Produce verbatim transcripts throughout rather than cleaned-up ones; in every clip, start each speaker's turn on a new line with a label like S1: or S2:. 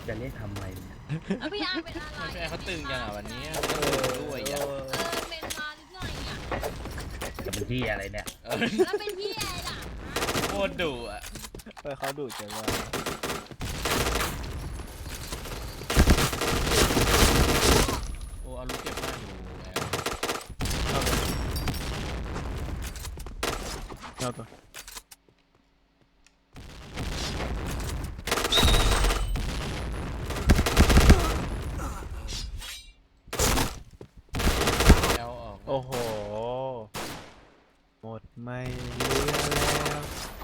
S1: จะเรียกทำไมเนี่ย
S2: แล้วพี่อาร์เป็นอะไร
S3: ไม่ใช่เขาตึงจังอ่ะวันนี้ด้วยอ่ะ
S2: เออเป็นมาหรือไงอ่ะ
S1: จะเป็นที่อะไรเนี่ย
S3: เออ
S2: แล้วเป็นพี่อะไรล่ะ
S3: โคตรดุอ่ะ
S4: เออเขาดุจังว่า
S3: โอ้เอาลูกเก็บมากอยู่แล้ว
S4: เอาตัว
S3: แล้วออก
S4: โอ้โหหมดไม่เหลือแล้ว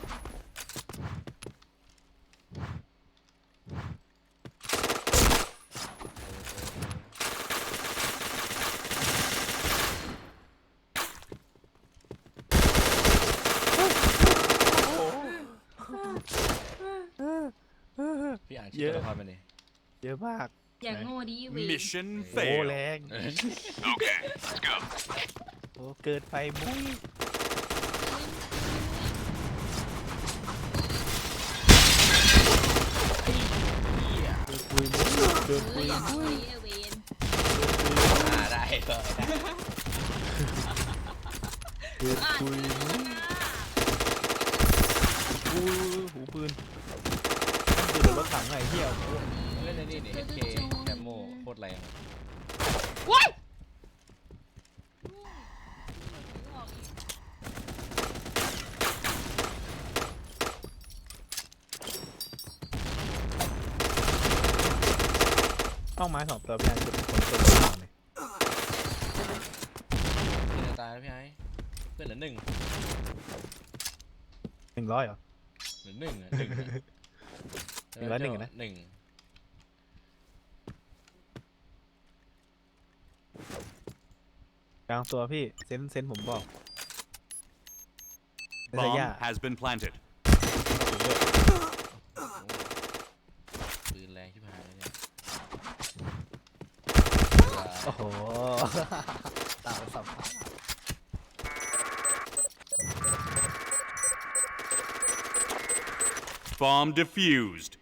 S3: พี่อ่านชื่อตัวละครมาดิ
S4: เยอะมาก
S2: อย่างโง่ดีเวย
S5: Mission
S4: โอ้
S5: failed.
S4: แรง
S5: Okay, let's go.
S4: โอ้เกินไปมุ้ยเกินปุยมุ้ยเกิน
S2: เอ
S4: ปุ
S2: อย อย่าง
S4: มุ้
S2: โง่
S4: ย
S2: ดีเวย
S3: อ่าได้เลยได้
S4: เกิน
S2: อ่าน
S4: ปุย
S2: ชื่อ
S4: มุ้ย
S2: นะ
S4: หูหูปืนมันปืนหรือรถถังไงเที่ยว
S3: เล่นในนี่นี่เอสเคแคมโมโคตรแรง
S2: ว้าย
S4: เป้าไม้สองตัวพี่อันจุดคนตัวหนึ่งเลย
S3: เจอตายแล้วพี่ไอ้เพื่อนเหลือหนึ่ง
S4: หนึ่งร้อยเหรอ
S3: เหลือหนึ่งอ่ะหนึ่งอะ
S4: หนึ่งร้อยหนึ่งอะนะ
S3: หนึ่ง
S4: กลางตัวพี่เซนเซนผมบอกเซน
S5: Bomb
S4: ย่า
S5: has been planted.
S3: ปืนแรงชิบหายเลยเนี่ย
S4: โอ้โหตาสับ
S5: Bomb defused.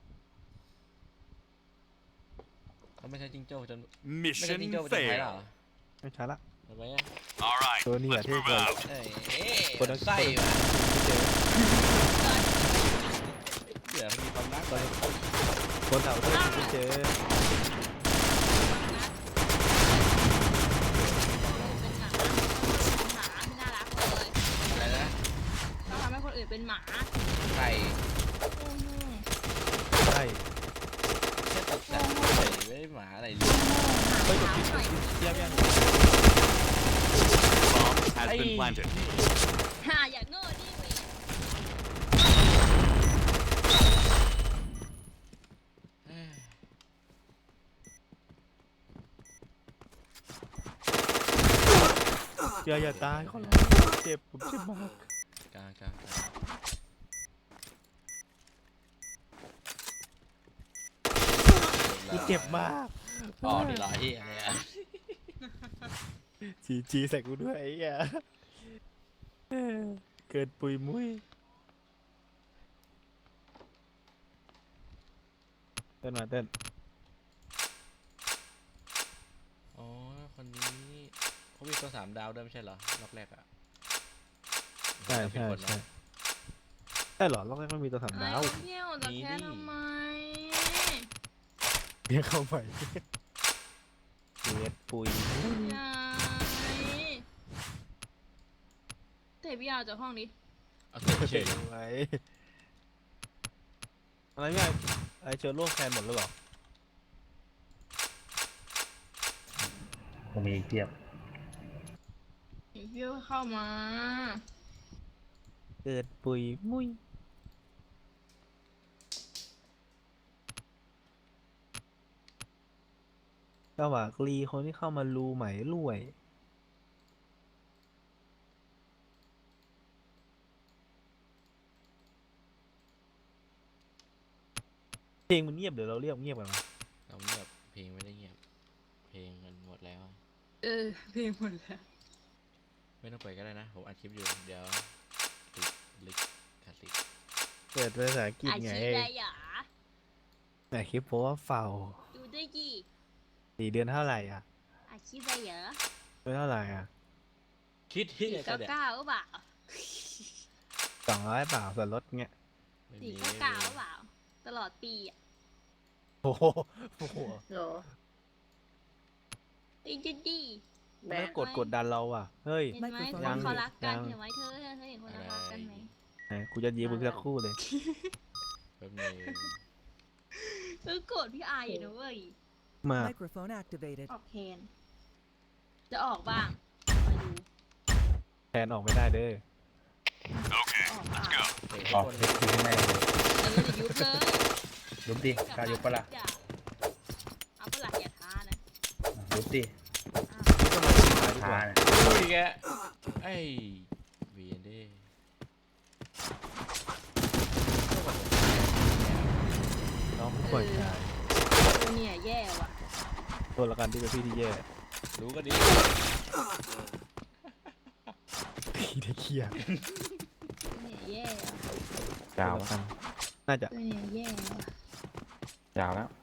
S3: เขาไม่ใช่จิงโจ้จนไม่ใช่
S5: Mission
S3: จิงโจ้จนไทยหรอ
S5: failed.
S4: ไม่ใช่ละ
S3: ทำไมอ่ะ
S5: All right,
S4: ตัวนี้อะ
S5: let's
S4: ที่
S5: move
S4: เคย
S5: out.
S3: เอ้ย
S4: คนละ
S3: ไส้ว่ะ
S4: เจอ
S3: เดี๋ยวมีความรัก
S4: คนคนเต่าด้วยไม่เจอ
S2: เป็นหมาไม่น่ารักเลย
S3: อะไรนะ
S2: ต้องทำให้คนอื่นเป็นหมา
S3: ไข่
S4: ใช่
S3: แค่ตกแต่งไข่ไม่ได้หมาอะไรเลย
S4: เฮ้ยกดผิดกดผิดเทียบยัง
S5: Bomb has been planted.
S2: ฮ่าอย่าโง่ดิเวย
S3: เอ้ย
S4: อย่าอย่าตายเขาร้องเจ็บผมเจ็บมาก
S3: กลางกลางกลาง
S4: กูเจ็บมาก
S3: อ๋อดีเหรอที่อะไรอ่ะ
S4: จีจีใส่กูด้วยไอ้เหี้ยเออเกิดปุยมุ้ยเต้นมาเต้น
S3: อ๋อคนนี้เขามีตัวสามดาวด้วยไม่ใช่เหรอรอบแรกอ่ะ
S4: ใช่ใช่ใช่ใช่เหรอรอบแรกมันมีตัวสามดาว
S2: ไอ้เที่ยวจะแค่ทำไม
S4: เรียกเข้าไปเกิดปุยมุ้ย
S2: ยายเตะพี่อาร์จากห้องนี้
S3: เอาเก็บเฉ
S4: เฉ
S3: ย
S4: ยไว้อะไรไม่ไอ้ไอเจอโลกแทนหมดแล้วเหรอ
S1: ผมมีเทียบ
S2: เดี๋ยวพี่เข้ามา
S4: เกิดปุยมุ้ยสวากรีคนที่เข้ามารูไหมรวยเพลงมันเงียบเดี๋ยวเราเรียกเงียบกันมา
S3: เราเงียบเพลงไม่ได้เงียบเพลงมันหมดแล้ว
S2: เออเพลงหมดแล้ว
S3: ไม่ต้องเปิดก็ได้นะผมอัดคลิปอยู่เดี๋ยวติดลิกขาดลิก
S4: เปิดภาษาอังกฤษ
S2: อา
S4: ไง
S2: ชีพอะไรหรอ
S4: แต่คลิปโพสว่าเฝ้า
S2: ดูด้วยกี่
S4: สี่เดือนเท่าไหร่อ่ะ
S2: อาชีพอะไรเหรอ
S4: เดือนเท่าไหร่อ่ะ
S3: คิดที่
S2: สี่
S3: ก็
S2: เก้า
S3: ได้
S2: เก้าหรือเปล่า
S4: สองร้อยเปล่าส่วนลดเงี้ย
S3: ไม่
S2: สี่
S3: มี
S2: เก้าเก้าหรือเปล่า ตลอดปีอ่ะ
S4: โอ้โหโอ้โห
S2: โหไอ้จะดี
S4: ไม่กดกดดันเราอ่ะ เฮ้ย
S2: เห็นไหมค
S4: ยัง
S2: นเขารักกัน
S4: ยัง
S2: เห็นไหมเธอเธอเห็นคนเขารักกันไหม
S4: ไหนกูจะยีมึงสักครู่เลย
S3: แป๊บนึง
S2: เออโกรธพี่อายอยู่นะเว้ย
S4: มา
S6: Microphone activated.
S2: ออกแทน จะออกบ้างมาดู
S4: แทนออกไม่ได้เด้อ
S5: Okay,
S2: ออก
S5: let's
S2: บ้าง
S5: go.
S3: เฮ้ย
S1: ออก
S3: คน
S1: เซ็กซี่แน่เลย
S2: เออจะยุบเลย
S1: ยุบดิกล้ายุบปะล่ะ
S2: เอาปะล่ะอย่าท้านะ
S1: ยุบดิ
S2: อ้าว
S1: ท้าเนี่ย
S3: อุ้ยแกไอ้เวียนดิ
S4: น้องผู้ป่วยชาย
S2: ตัวเนี่ยแย่ว่ะ
S4: ตัวละกันที่เป็นพี่ที่แย่
S3: รู้ก็ดี
S4: พี่ที่เครียด
S2: ตัวเนี่ยแย่ว่ะ
S7: ยาว
S4: ตัวละกันน่าจะ
S2: ตัวเนี่ยแย่ว่ะ
S7: ยาวแล้ว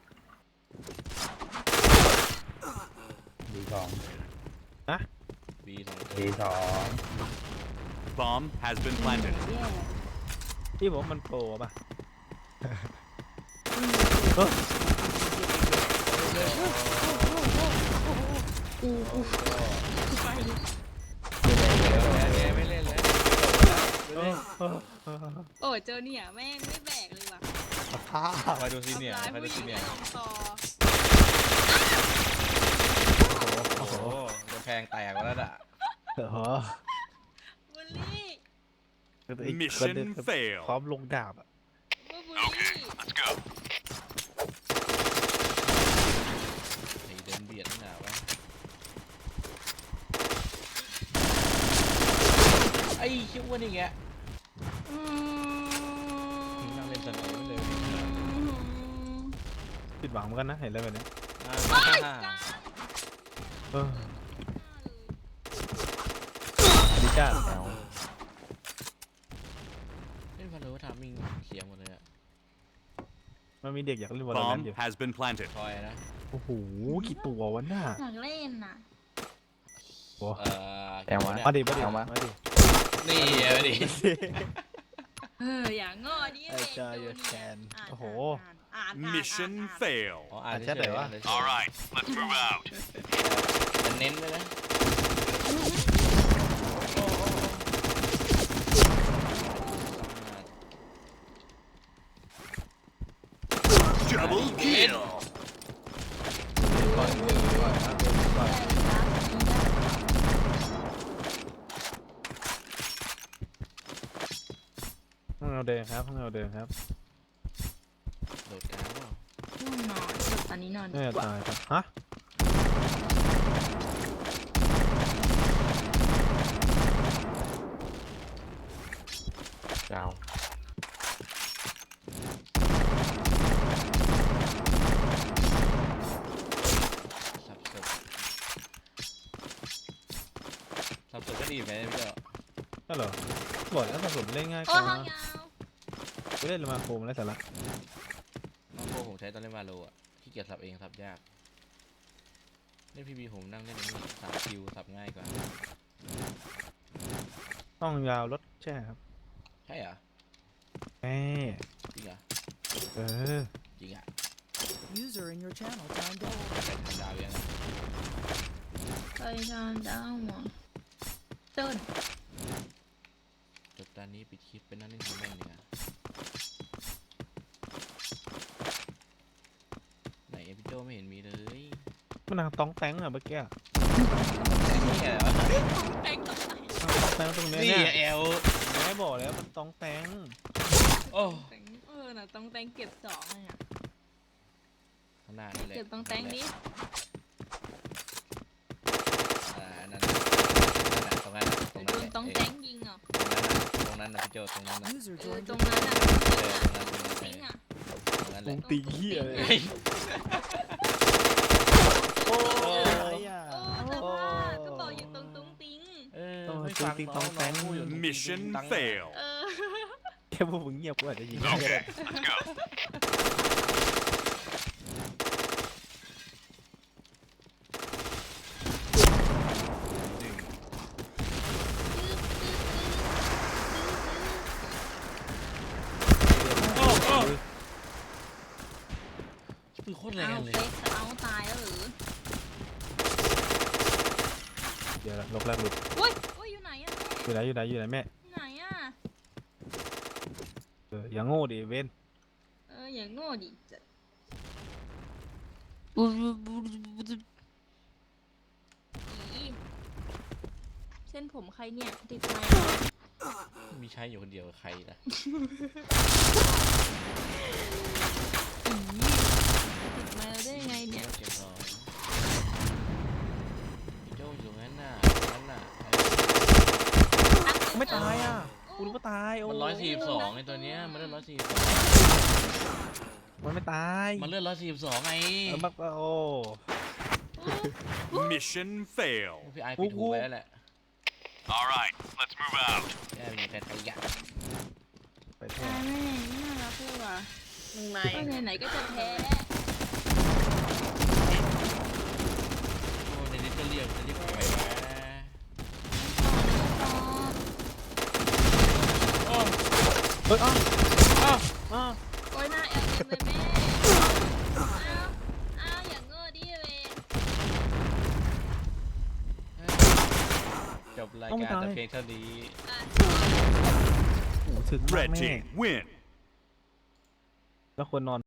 S1: ดีสอง
S3: บีสองตัว
S1: ดีสอง
S5: Bomb has been
S2: ตัวเนี่
S5: planted.
S2: ยแย่
S4: พี่บอกว่ามันโปรป่ะ
S2: กูกูไป
S3: แกไม่เล่นแล้ว
S4: เออเออเออ
S2: โอ้ยเจอเนี่ยแม่งไม่แบกเลยว่ะ
S3: ไปดูซีเนียร์
S2: ทำ
S3: ไป
S2: ร้าย
S3: ดู
S2: ผู้ห
S3: ซี
S2: ญิง
S3: เนีย
S2: ไม่
S3: ร์
S2: ลงคอ
S3: โอ้โหจะแพงแตกแล้วน่ะ
S4: เออ
S2: บูลลี่
S5: Mission fail.
S4: พร้อมลงดาบอ่ะ
S2: ว่าบูลลี่
S5: Let's go.
S3: ไอ้เดินเบียดนี่หนาวะไอ้ชิวนี่แก
S2: อืม
S3: นั่งเล่นสนามเลย
S4: ผิดหวังเหมือนกันนะเห็นแล้วแบบนี้
S3: อ่า
S2: โอ้ยกลาง
S4: เออดิจ้า
S7: แล้ว
S3: เล่นพันธุ์ว่าทำมิงเขียงหมดเลยอะ
S4: มันมีเด็กอยากเล่นวอลเลย์
S5: Bomb
S4: อยู่
S5: has been planted.
S3: คอยนะ
S4: โอ้โหกี่ตัววะน่ะ
S2: อยากเล่นน่ะ
S4: โอ้
S3: เอ่อ
S7: แอลวะ
S4: มาดิมาดิ
S7: เอามา
S4: มาดิ
S3: นี่เอาดิ
S2: เอออย่างง้อดิ
S4: ไอ้
S2: เล่น
S4: จอย
S2: ดู
S4: แคน
S2: อ่าน
S4: โอ้โห
S2: อ่านอ่าน
S5: Mission
S2: อ่าน
S5: fail.
S3: อ๋ออ่าน
S4: อ่านแชท
S3: เฉ
S4: หน่อย
S3: ยๆ
S4: วะ
S3: อ่านเฉยๆ
S5: All right, let's move out.
S3: มันเน้นเลยนะ
S5: Double kill.
S4: ก่อนก่อนครับก่อนห้องเราเดินครับห้องเราเดินครับ
S3: โดดกลางเปล่า
S2: ง่วงนอนตอนนี้นอนดี
S4: น่าจะ
S2: กว่า
S4: ตายครับฮะ
S7: ยาว
S3: สับสนสับสนก็ดีไหมพี่เจ้า
S4: ก็เหรอบอกแล้วผสมเล่นง่ายก
S2: โอ้
S4: ว่า
S2: ห้องยาว
S4: กูเล่นมาโคมแล้วสาระ
S3: น้องโก้ผมใช้ตอนเล่นวาโลอ่ะขี้เกียจสับเองสับยากเล่นพีบีผมนั่งเล่นอันนี่สามคิวสับง่ายกว่า
S4: ต้องยาวรถแช่ครับ
S3: ใช่เหรอ
S4: แม่
S3: จริงเหรอ
S4: เออ
S3: จริงอ่ะ
S6: User in your channel timed out.
S3: ใส่ทำดาวยัง
S2: ไปนอนดาวหมองต้น
S3: จบตอนนี้ปิดคลิปเป็นนั่งเล่นฮีแมนดีกว่าไหนเอพิโจไม่เห็นมีเลย
S4: มันนางต้องแตงอะเมื่อกี้อะ
S3: นี่เหรอ
S2: แป้งต่อไป
S4: ต้องแตงตรงเนี้ย
S3: นี่
S4: เนี่ย
S3: แอล
S4: แม่บอกแล้วมันต้องแตง
S3: โอ้
S2: แตงเออน่ะต้องแตงเก็บสองเลยอ่ะ
S3: ข้างหน้านี่แหละ
S2: เก็บต้องแตงดิ
S3: อ่านั่นนั่นน่ะตรงนั้นน่ะตรง
S2: โด
S3: นั้น
S2: น
S3: แหละ
S2: ต้อง
S3: เอ้ย
S2: แตงยิงเหรอ
S3: ตรงนั้นน่ะตรงนั้นนะพี่โจตรงนั้นนะ
S6: User
S2: เออ
S6: joined
S2: ตร
S6: your
S2: งนั้นอ่ะ
S3: เออตรงนั้นตรงนั้น
S2: จริงอ่ะ
S3: ตรงนั้นแห
S4: ตร
S3: ละ
S4: งตีเหี้ยเลย
S3: เฮ้ย
S4: โอ้
S3: โอ้
S4: ยอะ
S2: โอ้แต่ว่าก็บอกอยู่ตรงตุ้งติ้ง
S3: เออ
S4: ต้อง
S3: ไม่
S4: จริง
S3: ฟัง
S4: จริง
S3: น้
S4: ต้อง
S3: อง
S4: แตง
S3: น้องพูดอยู่ตรง
S5: Mission
S3: ตังค์
S5: fail.
S2: เออ
S4: แค่พวกมึงเงียบกูอาจจะยิงได้
S5: Okay, let's go.
S3: ปืนโคตรแร
S2: เอา
S3: งเลย
S2: เฟกเอาตายแล้วหรือ
S4: เดี๋ยวลบแรกหลุด
S2: อุ้ยอุ้ยอยู่ไหนอะ
S4: อยู่ไหนอยู่ไหนอยู่ไหนแม่
S2: แม่ไหนอะ
S4: เอออย่างโง่ดิเวน
S2: เอออย่างโง่ดิจะอีเส้นผมใครเนี่ยติดไมค์
S3: มีใช้อยู่คนเดียวกับใครนะ
S2: ติดไมค์เราได้ยังไงเนี่ย
S3: เก็บของพี่โจ้อยู่งั้นน่ะงั้นน่ะ
S4: ไม่ตายอ่ะกูรู้ว่าตายโอ้
S3: มันร้อยสี่สิบสองไอ้ตัวเนี้ยมันเลือดร้อยสี่สิบสอง
S4: มันไม่ตาย
S3: มันเลือดร้อยสี่สิบสองไง
S4: เออบักโอ้
S5: Mission fail.
S3: พี่ไอปิดหูไว้แล้วแหละ
S5: All right, let's move out.
S3: แย่มีแต่ขยะ
S4: ไปแท้
S2: ตายแม่ไม่น่ารักเลยว่ะ
S8: มึงมา
S2: ก็ไหนๆก็จะแพ้
S3: โอ้ในนี้ก็เรียกจะเรียกไปวะโอ้
S4: เฮ้ยอ้าวอ้าวอ้าว
S2: โอ้ยหน้าแอลเต็มเลยแม่อ้าวอ้าวอย่างโง่ดิเวย
S3: จบรายการแต่เพียงเท่านี้
S2: อ่ะ
S4: โอ้โหถึงมาก
S5: Red
S4: แม่
S5: team win.
S4: แล้วควรนอน